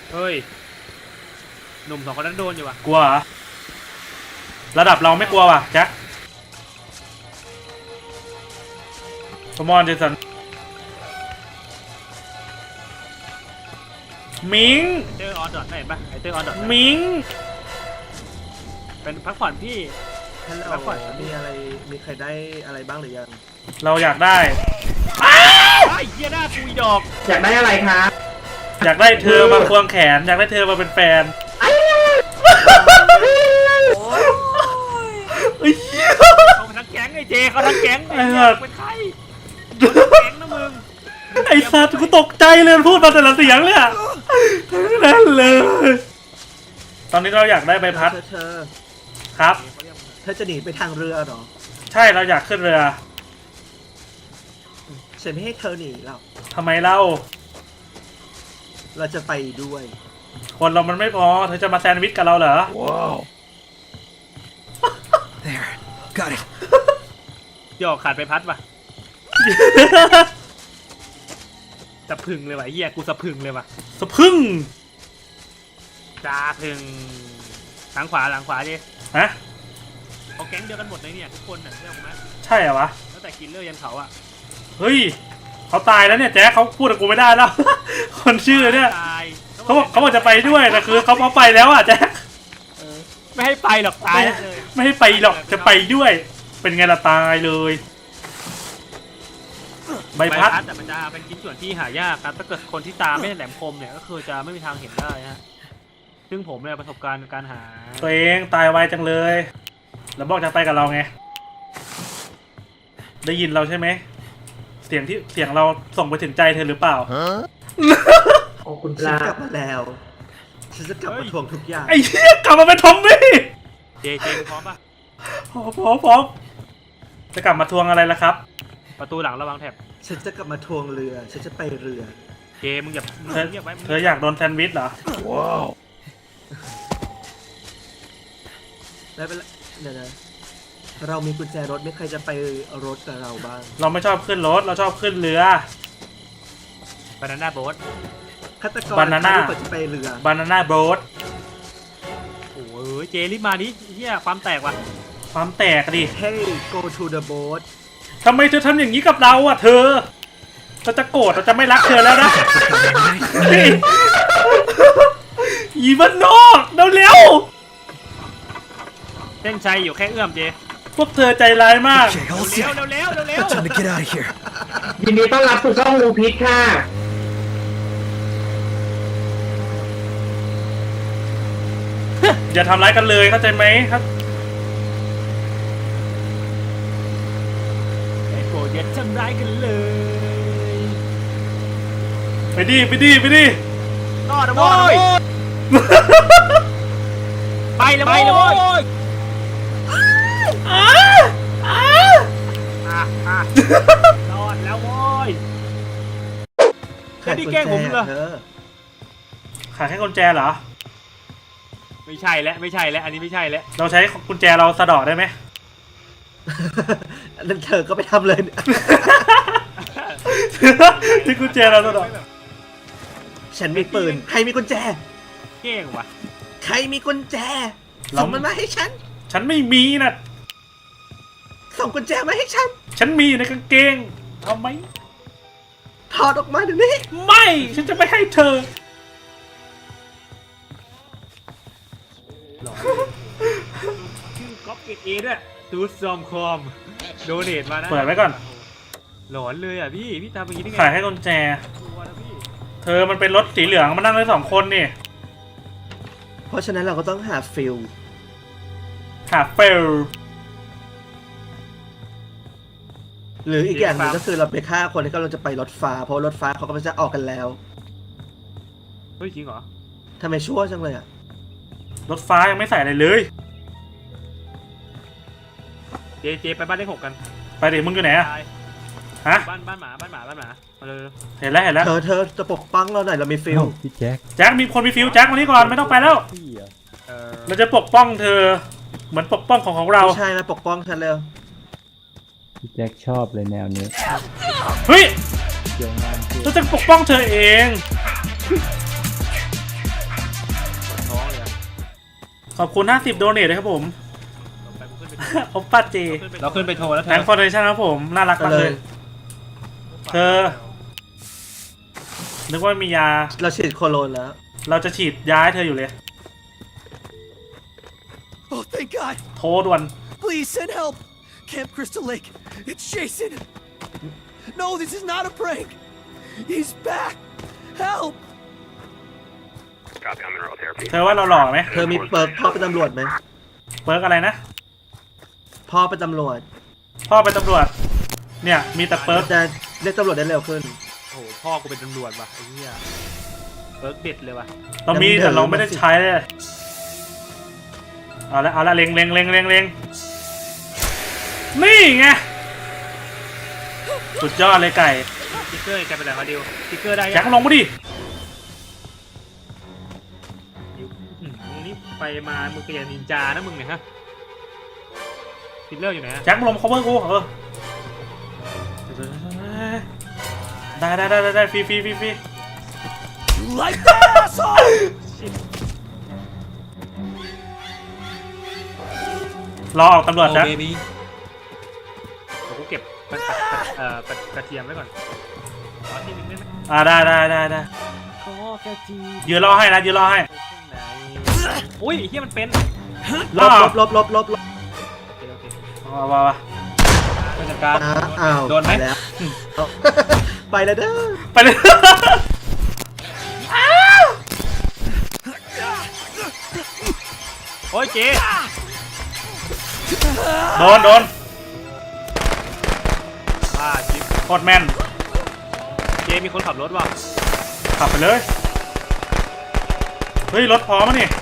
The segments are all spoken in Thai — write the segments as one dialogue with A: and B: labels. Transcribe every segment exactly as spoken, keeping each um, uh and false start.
A: เฮ้ยหนุ่มสองคนนั้นโดนอยู่วะ
B: กลัวเหรอระดับเราไม่กลัวว่ะแจ็คคอมอนเจสันมิง
A: เจอออนดอทเห็นปะไอเจอออนดอท
B: มิง
A: เป็นพักผ่อนพี่
C: ฮัลโหลมีอะไรมีใครได้อะไรบ้างหรือยัง
B: เราอยากได้
A: ไอ้เหี้ยหน้าปุยดอก
C: อยากได้อะไรครับ
B: อยากได้เธอมาควงแขนอยากได้เธอมาเป็นแฟน
A: เขาทั้งแก๊งไอเจเขาทั้งแก๊งไอ้เป็นใครแก๊งนะมึง
B: ไอ้สัตว์กูตกใจเลยพูดมาแต่ละเสียงเลยอะนั่นเลยตอนนี้เราอยากได้ใบพัด
C: เธอ
B: ครับ
C: เธอจะหนีไปทางเรือหรอ
B: ใช่เราอยากขึ้นเรือ
C: ฉันไม่ให้เธอหนีหรอก
B: ทำไมเล่า
C: เราจะไปด้วย
B: คนเรามันไม่พอเธอจะมาแซนด์วิชกับเราเหรอ
D: ว้าว there got it
A: หยอกขาดไปพัดป่ะสะพึงเลยว่ะเฮียกูสะพึงเลยว่ะ
B: สะพึง
A: จ้าพึงหลังขวาหลังขวาดิ
B: ฮะ
A: เขาแก๊งเดียวกันหมดเลยเนี่ยทุกคนน่ะใช่ไหม
B: ใช่เหรอวะ
A: ตั้งแต่กินเลือดยันเขาอะ
B: เฮ้ยเขาตายแล้วเนี่ยแจ๊คเขาพูดกับกูไม่ได้แล้วคนชื่อเนี่ยเขาบอกเขาบอกจะไปด้วยแต่คือเขาเขาไปแล้วอ่ะแจ๊ค
A: ไม่ให้ไปหรอกตายเลย
B: ไม่ให้ไปหรอกจะไปด้วยเป็นไงล่ะตายเลยใบพัด
A: แต่มันจะเป็นชิ้นส่วนที่หายากครับถ้าเกิดคนที่ตาไม่แหลมคมเนี่ยก็คือจะไม่มีทางเห็นได้ฮะซึ่งผมเนี่ยประสบการณ์การหา
B: ตัวเองตายไวจังเลยแล้วบอกจะไปกับเราไงได้ยินเราใช่ไหมเสียงที่เสียงเราส่งไปถึงใจเธอหรือเปล่า
C: โอ้คุณปลากลับมาแล้วฉันจะกลับมาทวงทุกอย่าง
B: ไอ้เหี้ยกลับมาเป็นทอมบี้
A: เจเจพร้อมปะ
B: พร้อมพร้อมพร้อมจะกลับมาทวงอะไรล่ะครับ
A: ประตูหลังระวังแถบ
C: ฉันจะกลับมาทวงเรือฉันจะไปเรือ
A: เจมึงอย่า
B: เธอเธออยากโดนแซนด์วิชเหรอ
D: ว้าว
C: ได้ไปแล้วเดี๋ยวนะเรามีกุญแจรถไม่ใครจะไปรถกับเราบ้าง
B: เราไม่ชอบขึ้นรถเราชอบขึ้นเรือบา
A: นาน่าโบ๊ท
C: ฆาตกรบานาน่าจะไปเรือบ
B: านาน่าโบ๊ท
A: โอ้ยเจรีบมาดิเฮียความแตกว่ะ
B: ความแตกดิ
C: Hey go to the boat
B: ทำไมเธอทำอย่างนี้กับเราอ่ะเธอเราจะโกรธเราจะไม่รักเธอแล้วนะอีบ้านนอกเร็ว
A: เส้นชัยอยู่แค่เอื้อมเจ
B: พวกเธอใจร้ายมาก
A: เร็วเร็วเร็วเร็ว
D: time to get out of here
C: ยินดีต้อนรับสู่ช่องลูพิษค่ะ
B: อย่าทำร้ายกันเลยเข้าใจไหมครับ
A: ไอ้โกรธอย่าทำร้ายกันเลย
B: ไปดิไปดิไปดิ
A: รอดนะโว้ยไปเลยไปเลยโว้ยรอดแล้วโว้ยแค่ที่แกล้งผมเหรอ
B: ขาแค่กุญแจเหรอ
A: ไม่ใช่แล้วไม่ใช่แล้วอันนี้ไม่ใช่แล้ว
B: เราใช้กุญแจเราสะดอกได้ไหม
C: นั่นเธอก็ไปทำเลย
B: ที่กุญแจเราสะดอก
C: ฉันมีปืนใครมีกุญแจ
A: เก่งว่ะ
C: ใครมีกุญแจส่งมันมาให้ฉัน
B: ฉันไม่มีนะ
C: ส่งกุญแจมาให้ฉัน
B: ฉันมีในกางเกงเอาไหม
C: ถอดออกมาเดี๋ยวนี้
B: ไม่ฉันจะไม่ให้เธอ
A: ชื่อก๊อปเกตเอด้วยตูดซอมคอมโดเนทมานะ
B: เปิดไว้ก่อน
A: หลอนเลยอ่ะพี่พี่ทำอย่างนี้ได้ไง
B: ขายให้กุญแจเธอมันเป็นรถสีเหลืองมานั่งได้สองคนนี่
C: เพราะฉะนั้นเราก็ต้องหาฟิล
B: หาฟิล
C: หรืออีกอย่างหนึ่งก็คือเราไปฆ่าคนที่กำลังจะไปรถฟ้าเพราะรถฟ้าเขาก็จะออกกันแล้ว
A: เฮ้ยจริงเหรอ
C: ทำไมชั่วจังเลยอ่ะ
B: รถฟ้ายังไม่ใส่อะไรเลย
A: เจเจไปบ้านเลขหกกัน
B: ไปดิมึงอยู่ไหนอะฮะ
A: บ้านบ้านหมาบ้านหมาบ้านหมามาเลย
B: เห็นแล้วเห็นแล้ว
C: เธอเธอจะปกป้องเราหน่อยเรามีฟิล
D: พี่แจ็ค
B: แจ็คมีคนมีฟิลแจ็คมานี่ก่อนไม่ต้องไปแล้วเราจะปกป้องเธอเหมือนปกป้องของของเรา
C: ใช่นะปกป้องฉันเร็ว
D: พี่แจ็คชอบเลยแนวนี้
B: เฮ้ยเราจะปกป้องเธอเองขอบคุณห้าสิบโดเนทเลยครับผม
A: ไปกูขึ้นไป
B: พบป้าเจ
D: เราขึ้นไปโทรแล้วเธ
B: แตง
D: อ
B: ฟอร์เรชั่นครับผมน่ารักมากเลย เธอ นึกว่ามียา
C: เราฉีดโคโลนแล้ว
B: เราจะฉีดยาให้เธออยู่เลย
E: Oh, thank God.
B: โทรด่วน
E: Please send help. Camp Crystal Lake. It's Jason. No, this is not a prank. He's back. Help.
B: เธอว่าเราหล่อไหม
C: เธอมีเปิร์กพ่อเป็นตำรวจไหม
B: เปิร์กอะไรนะ
C: พ่อเป็นตำรวจ
B: พ่อเป็นตำรวจ เนี่ยมีแต่เปิร์ก
C: จะเรียกตำรวจได้เร็วขึ้น
A: โอ้โหพ่อกูเป็นตำรวจว่ะไอ้เหี้ยเบิร์กเด็ดเลยว่ะ
B: เรามีแต่เราไม่ได้ใช้เลยเอาละเอาละเล็งเล็งเล็งเล็งเล็งนี่ไงสุดยอดเลยไก่
A: สติ๊กเกอร์แกเป็นอะไรมาดิวสติ๊กเกอร์ได้
B: แจ็
A: ยั
B: ค
A: ง
B: ลงมาดิ
A: ดิวอืมมึงนี่ไปมามึงก็ยังนินจานะมึงเนี่ยฮะฟิลเลอร์อยู่ไหนฮะ
B: แจ็คลงมา cover กูเออได้ได้ได้ได้ฟรีฟรีฟรีฟรี
E: You like that, asshole?
B: รอออกตำรวจแจ็ค
D: เบบี้
A: เดี๋ยวกูเก็บกระกระเอ่อกระกระเทียมไว้ก่อนขอทีนึงได้ไหม
B: อ่าได้ได้ได้ได้
A: ขอกระเทียม
B: ยืนรอให้นะยืนรอให้
A: ไหนอุ้ยไอ้เหี้ยมันเป็น
C: ลบลบลบลบลบลบ
A: โอเคโอเค
B: มามามา
D: ผู้จัดการ
C: อ้าอ้าว
D: โดนไหม
C: ปแล้วเอา ไปแล้วเด้อ
B: ไปเลย
A: โอ้ยเจ๊
B: โดนโดน
A: บ้าจิ๊บ
B: โคตรแม่น
A: เจ๊มีคนขับรถว่ะ
B: ขับไปเลย เฮ้ย รถพร้อมมั้ยนี่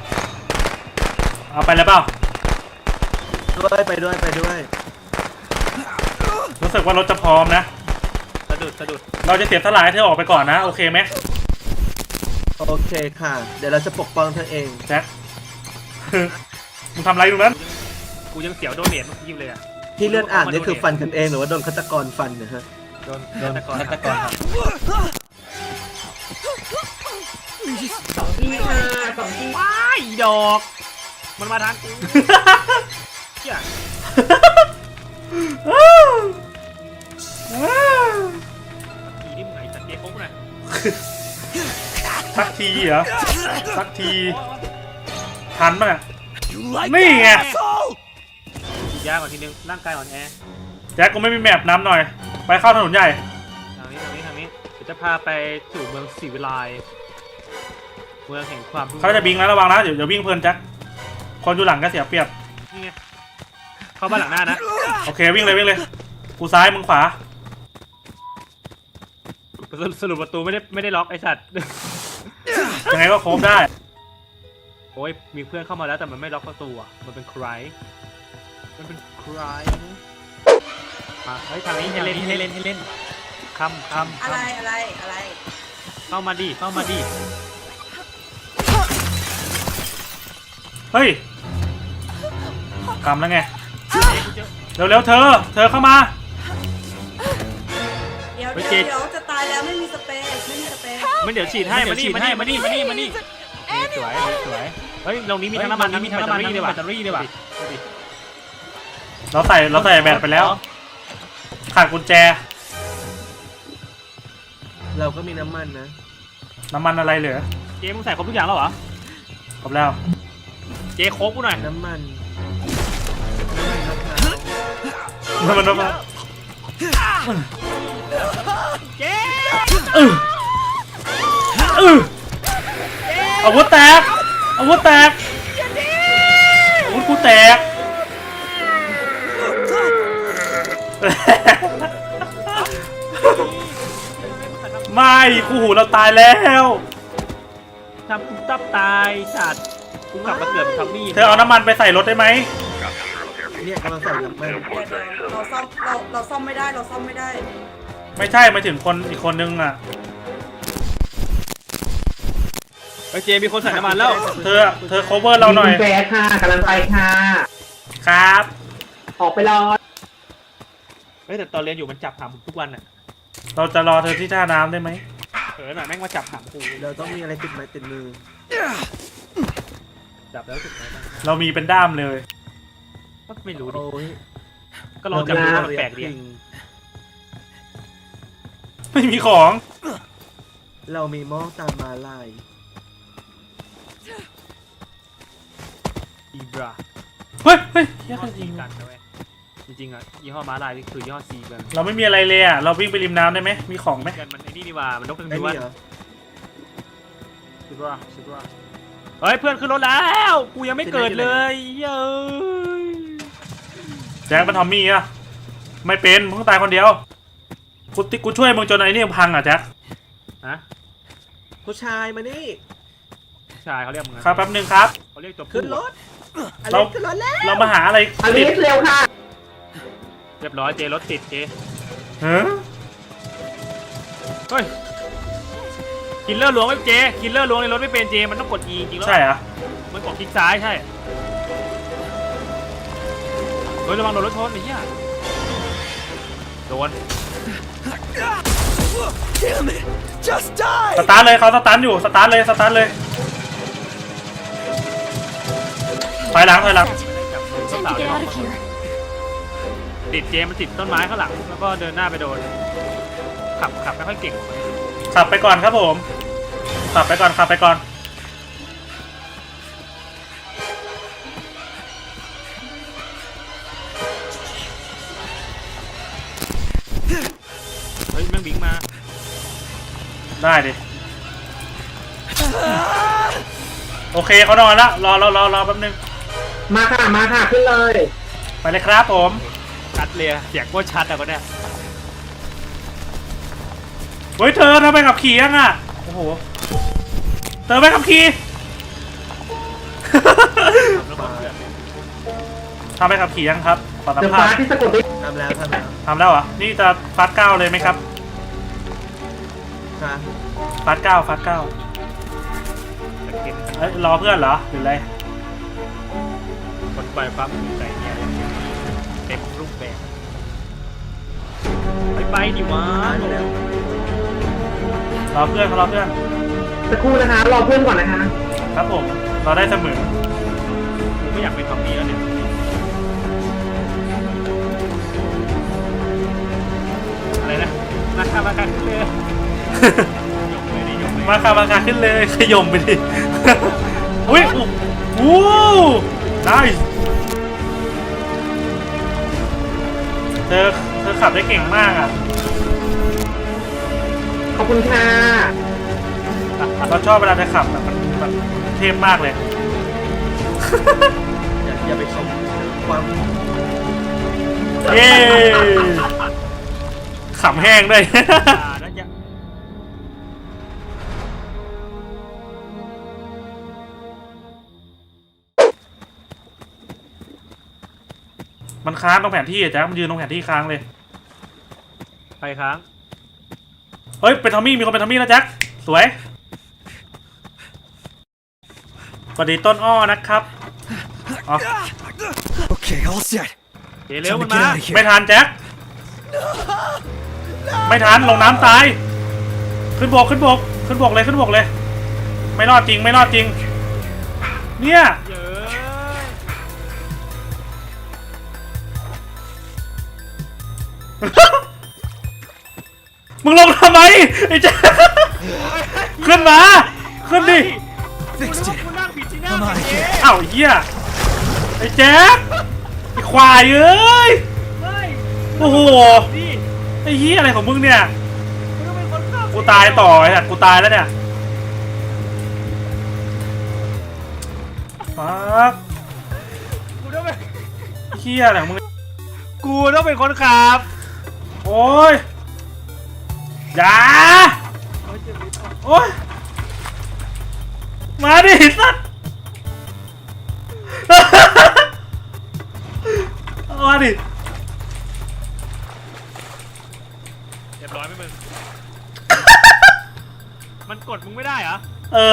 B: เอาไปแล้วเปล่า
C: ด้วยไปด้วยไปด้วย
B: รู้สึกว่ารถจะพร้อมนะ
A: สะดุดสะดุด
B: เราจะเสียสละให้เธอออกไปก่อนนะ โอเคไหม
C: โอเคค่ะ เดี๋ยวเราจะปกป้องเธอเอง
B: แจ็ค มึงทำอะไรตรงนั้น
A: กูยังเสียวโดเนทเมื่อกี้เลยอ่ะ
C: ที่เลื่อนอ่านนี่คือฟันกันเองหรือว่าโดนฆาตกรฟันนะฮะ
A: โดน
D: โดน
A: ฆาตกร
D: ฆาตกรครับ
A: ว้ายดอก มันมาทางกูเหี้ยทีนี่มึงไงสัตว์เจ๊ครบเลย
B: สักทีเหรอ สักที ทันป่ะเนี่ย
E: You like
B: Me,
E: that,
B: yeah.
E: asshole?
A: ฉีดยาก่อนทีนึง ร่างกายอ่อนแอ
B: แจ็คกูไม่มีแมปน้ำหน่อย ไปเข้าถนนใหญ่
A: ทางนี้ทางนี้ทางนี้ เดี๋ยวจะพาไปสู่เมืองศรีวิไลเมืองแห่งความรุ่ง
B: เขาจะบิงแล้วระวังนะ เดี๋ยวเดี๋ยววิ่งเพลินแจ็ค คนอยู่หลังก็เสียเปรียบ
A: นี่ไง เข้าบ้านหลังหน้านะ
B: โอเควิ่งเลยวิ่งเลย กูซ้ายมึงขวา
A: สรุปประตูไม่ได้ไม่ได้ล็อกไอ้สัตว์
B: ยังไงก็โค้งได้
A: โอ้ยมีเพื่อนเข้ามาแล้วแต่มันไม่ล็อกประตูอ่ะ มันเป็นใคร มันเป็นใครมาเฮ้ยทางนี้ให้เล่นให้เล่นให้เล่นคำคำ
F: อะไรอะไรอะไร
A: เข้ามาดิเข้ามาดิ
B: เฮ้ยกำแล้วไง
A: เจ๊กูเจอ
B: เร็วๆเธอ เธอเข้ามา
F: เดี๋ยว
A: เฮ้ย
F: เดี๋ยว
A: เจ๊
F: เดี๋ยวจะตายแล้วไม่มีสเปรย์ไม่มีสเปรย์
A: มันเดี๋ยวฉีดให้มานี่มานี่มานี่มานี่มานี่สวยสวยเฮ้ยตรงนี้มีทั้งน้ำมันมีทั้งน้ำมันมีแบตเตอรี่ด้วยว่ะ
B: เราใส่เราใส่แบตไปแล้ว ขาดกุญแจ
C: เราก็มีน้ำมันนะ
B: น้ำมันอะไรเหลือ
A: เจ๊มึงใส่ครบทุกอย่างแล้วเหรอ
B: ครบแล้ว
A: เจ๊โค้กกูหน่อย
C: น้ำมัน
B: น้ำมันน้ำมัน
A: เจ๊
B: อื้ออื้ออาวุธแตกอาวุธแตกอาวุธกูแตก ไม่กูหูเราตายแล้ว
A: ทำกูตับตายสัตว์กูกลับมาเกิดเป็นทัมมี่
B: เธอเอาน้ำมันไปใส่รถได้ไหม
C: เนี่ยกำลังใส่น้ำมัน
F: เดี๋ยวเดี๋ยวเราซ่อมเราเราซ่อมไม่ได้เราซ่อมไม่ได้
B: ไม่ใช่มาถึงคนอีกคนนึงอ่ะ
A: เฮ้ยเจ๊มีคนใส่น้ำมันแล้ว
B: เธอเธอ cover เราหน่อย
G: มีกุญแจค่ะกำลังไปค่ะ
B: ครับ
G: ออกไปรอ
A: เฮ้ยแต่ตอนเรียนอยู่มันจับหางผมทุกวันอ่ะ
B: เราจะรอเธอที่ท่าน้ำได้ไหม
A: เออหน่ะแม่งมาจับหางกู
C: เราต้องมีอะไรติดไม้ติดมือ
A: จับแล้วรู้สึกไงบ้าง
B: เรามีเป็นด้ามเลย
A: ก็ไม่รู้ดิ
C: โอ้ย
A: ก็ลองจับดูว่ามันแปลกดี
C: จริง
B: ไม่มีของ
C: เรามีหม้อตามมาลาย
A: อีบรา
B: เฮ้ยเฮ้ยเหี้
A: ยี่
B: ย
A: ห้อ
B: จ
A: ซี
B: ริง
A: กันนะเว้ยจริงๆอ่ะยี่ห้อม้าลายนี่คือยี่ห้อซีกัน
B: เราไม่มีอะไรเลยอ่ะเราวิ่งไปริมน้ำได้ไหมมีของไหม
A: กันมันไอ้นี่ดีว่ามันนกเป็น
C: ไอ้
A: ดูว่า
C: นี่เหรอ
A: ซิบราซิบราเฮ้ยเพื่อนขึ้นรถแล้วกูยังไม่เกิดเลยเย้ย
B: แจ็คเป็นทอมมี่อะไม่เป็นมึงตายคนเดียวกูติกูช่วยมึงจนไอ้นี่พังอ่ะแจ็ค
A: ฮะ
C: ผู้ชายมานี่
A: ผู้ชายเขาเรียกมึงนะครับ
B: แป๊บนึงครับ
A: เขาเรียกตัวผู้
C: ขึ้นรถอ
B: เรา
C: เล็กขึ้นรถแล้ว
B: เรามาหาอะไร
G: อลิ
B: ติด
G: สเร็วค่ะ
A: เรียบร้อยเจรถติดเจ
B: ฮะ
A: เฮ้ยคิลเลอร์ล้วงไม่เจคิลเลอร์ล้วงในรถไม่เป็นเจมันต้องกด E จริงๆแล้ว
B: ใช่เหรอ
A: มันกดคลิกซ้ายใช่เฮ้ยระวังโดนรถชนไอ้เหี้ยโดน
E: Damn it! Just die!
B: สตาร์ทเลยเขาสตาร์ทอยู่สตาร์ทเลยสตาร์ทเลยถอยหลังถอยหลัง
A: Time to get out of here ติดเจมันติดต้นไม้ข้างหลังแล้วก็เดินหน้าไปโดนขับขับไม่ค่อยเก่ง
B: ขับไปก่อนครับผมขับไปก่อนขับไปก่อน
A: เฮ้ยแม่งบิงมา
B: ได้ดิโอเคเขานอนละรอรอรอรอแป๊บนึง
G: มาค่ะ มาค่ะ ขึ้นเลย
B: ไปเลยครับผม
A: ชัดเลยเสียงโคตรชัดอะก็เนี่ย
B: เฮ้ยเธอทำไมขับขี่ยังอ่ะโอ้โหเธอไม่ขับขี่
A: แล้วก็เพื่อน
B: ทำไมขับขี่ยังครับขอสัม
G: เดี๋ยว
B: ภา
G: ฟ้า
B: ษณ์
G: ที่สะกดด้วย
C: ทำแล้วทำแล้ว
B: ทำแล้วเหรอนี่จะฟาสเก้าเลยไหมครับ
C: ค่ะ
B: ฟาสเก้าฟาสเก้า
A: แต่เก่ง
B: เอ้ยรอเพื่อนเหรอหรืออะไร
A: กดปล่อยความมือใจเนี่ยเต็มรูปแบบไปไปดิวะ
C: ตายแล้ว
B: รอเพื่อนเขารอเพื่อน
G: สักครู่นะคะ รอเพื่อนก่อนนะคะ
B: ครับผมรอได้เสมอ
A: กูไม่อยากเป็นทอมมี่แล้วเนี่ยอะไรนะมาค่ะมาค่ะขึ้นเลยยกเลยดิยกเลย
B: มาค่ะมาค่ะขึ้นเลยขยมไปดิ อุ้ยโอ้โหได้เธอเธอขับได้เก่งมากอ่ะ
G: ขอบคุณค่ะ
B: เราชอบเวลาเธอขับแบบมันแบบเทพมากเลย
C: อย่าอย่าไปชมความ
B: เย้ขำแห้งด้วย
A: อ่านั่นยัง
B: มันค้างตรงแผนที่อะแจ๊คมันยืนตรงแผนที่ค้างเลย
A: ไปค้าง
B: เฮ้ยเป็นทอมมี่มีคนเป็นทอมมี่แล้วแจ๊คสวยสวัสดีต้นอ้อนะครับอ๋อ
E: Okay, all set.
A: เจเร็ว
E: Time
A: มั
E: to
A: น
E: get
A: มา
E: out of
B: ไม่
E: here.
B: ทันแจ็คไม่ทันลงน้ำตายขึ้นบกขึ้นบกขึ้นบกเลยขึ้นบกเลย ไม่รอดจริงไม่รอดจริงเนี่ย
A: เย้ย
B: มึงลงทำไมไอ้แจ็คขึ้นมาขึ้นดิ
E: Fixed
A: กู
E: it.
A: นั่งผิดที่นั่ง
E: Come on,
A: เจ๊
B: เอ้าเหี้ยไอ้แจ็คไอ้ควายเอ้ย
A: เฮ้ย
B: โอ้โห
A: ดิ
B: ไอ้เหี้ยอะไรของมึงเนี่ย
A: มึงต้องเป็นคนขับ
B: กูตายต่อไอ้สัตว์กูตายแล้วเนี่ยฟัก
A: กูต้องเป็น
B: เหี้ยอะไรของมึง
A: กูต้องเป็นคนขับ
B: โอ้ยอย่าโอ้ยมาดิสัตว์ มาดิ
A: เรียบร้อยไหมมึง มันกดมึงไม่ได้เหรอ
B: เออ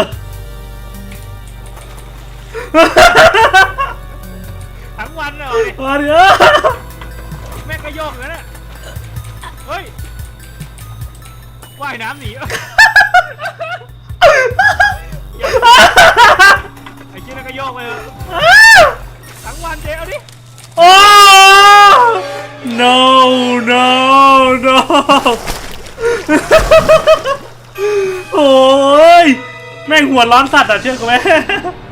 A: ทั้งวันเลย
B: มาดิเออ
A: แม่งก็โยกเลยนะเฮ้ย ว่ายน้ำหนี ไอ้เชี่ยนั่นก็โยกไปเลย
B: โอ้ยแม่งหัวร้อนสัตว์อ่ะเชื่อกูไหม